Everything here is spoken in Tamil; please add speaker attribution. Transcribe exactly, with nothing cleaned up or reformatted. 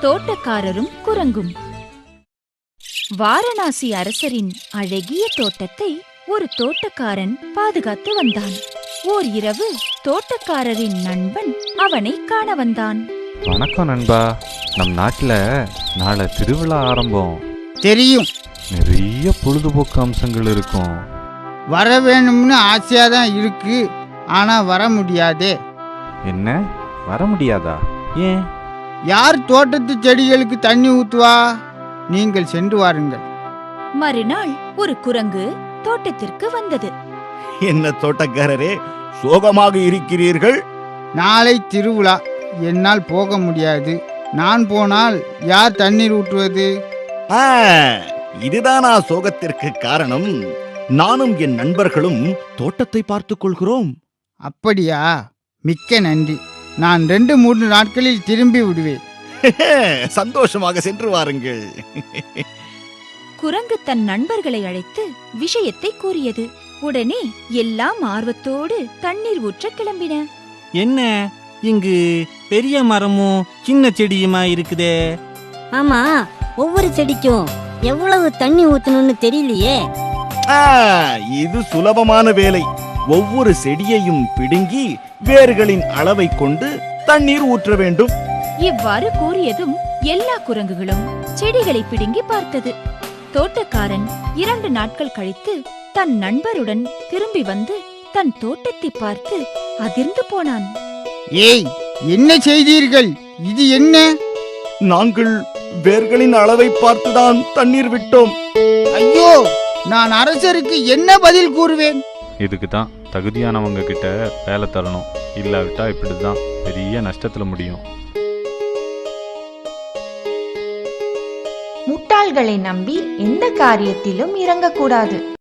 Speaker 1: தோட்டக்காரரும் குரங்கும். வாரணாசி அரசரின் அழகிய தோட்டத்தை ஒரு தோட்டக்காரன் பாதுகாத்து வந்தான். ஓர் இரவு தோட்டக்காரரின் நண்பன் அவனை காண வந்தான்.
Speaker 2: வணக்கம் நண்பா, நம் நாட்டுல நாளை திருவிழா ஆரம்பம்.
Speaker 3: தெரியும்.
Speaker 2: நிறைய பொழுதுபோக்கு அம்சங்கள் இருக்கும்.
Speaker 3: வர வேணும்னு ஆசையா தான் இருக்கு, ஆனா வர முடியாதே.
Speaker 2: என்ன, வர முடியாதா? ஏன்?
Speaker 3: யார் தோட்டத்து செடிகளுக்கு தண்ணி ஊத்துவா? நீங்கள் சென்று வாருங்கள்.
Speaker 1: மறுநாள் ஒரு குரங்கு தோட்டத்திற்கு வந்தது.
Speaker 4: என்ன தோட்டக்காரரே, சோகமாக இருக்கிறீர்கள்?
Speaker 3: நாளை திருவிழா, என்னால் போக முடியாது. நான் போனால் யார் தண்ணீர் ஊற்றுவது?
Speaker 4: ஆ, இதுதானா சோகத்திற்கு காரணம்? நானும் என் நண்பர்களும் தோட்டத்தை பார்த்துக் கொள்கிறோம்.
Speaker 3: அப்படியா? மிக்க நன்றி. நான் ரெண்டு மூன்று நாட்களில் திரும்பி விடுவேன்.
Speaker 4: சந்தோஷமாக சென்று வாருங்கள்.
Speaker 1: குரங்கு தன் நண்பர்களை அழைத்து விஷயத்தை கூறியது. உடனே எல்லாம் ஆர்வத்தோடு தண்ணீர் ஊற்ற கிளம்பின.
Speaker 5: என்ன, இங்கு பெரிய மரமும் சின்ன செடியுமா இருக்குதே?
Speaker 6: ஆமா, ஒவ்வொரு செடிக்கும் எவ்வளவு தண்ணி ஊத்தணும்னு தெரியலையே.
Speaker 4: ஆ, இது சுலபமான வேலை. ஒவ்வொரு செடியையும் பிடுங்கி வேர்களின் அளவை கொண்டு தண்ணீர் ஊற்ற வேண்டும்.
Speaker 1: இவ்வாறு கூறியதும் எல்லா குரங்குகளும் செடிகளை பிடுங்கி பார்த்தது. தோட்டக்காரன் இரண்டு நாட்கள் கழித்து தன் நண்பருடன் திரும்பி வந்து தன் தோட்டத்தை பார்த்து அதிர்ந்து போனான்.
Speaker 3: ஏய், என்ன செய்தீர்கள்? இது என்ன?
Speaker 4: நாங்கள் வேர்களின் அளவை பார்த்துதான் தண்ணீர் விட்டோம்.
Speaker 3: ஐயோ, நான் அரசருக்கு என்ன பதில் கூறுவேன்?
Speaker 2: இதுக்கு தான் தகுதியானவங்க கிட்ட வேலை தரணும். இல்லாவிட்டா இப்படிதான் பெரிய நஷ்டத்துல முடியும்.
Speaker 7: முட்டாள்களை நம்பி எந்த காரியத்திலும் இறங்கக்கூடாது.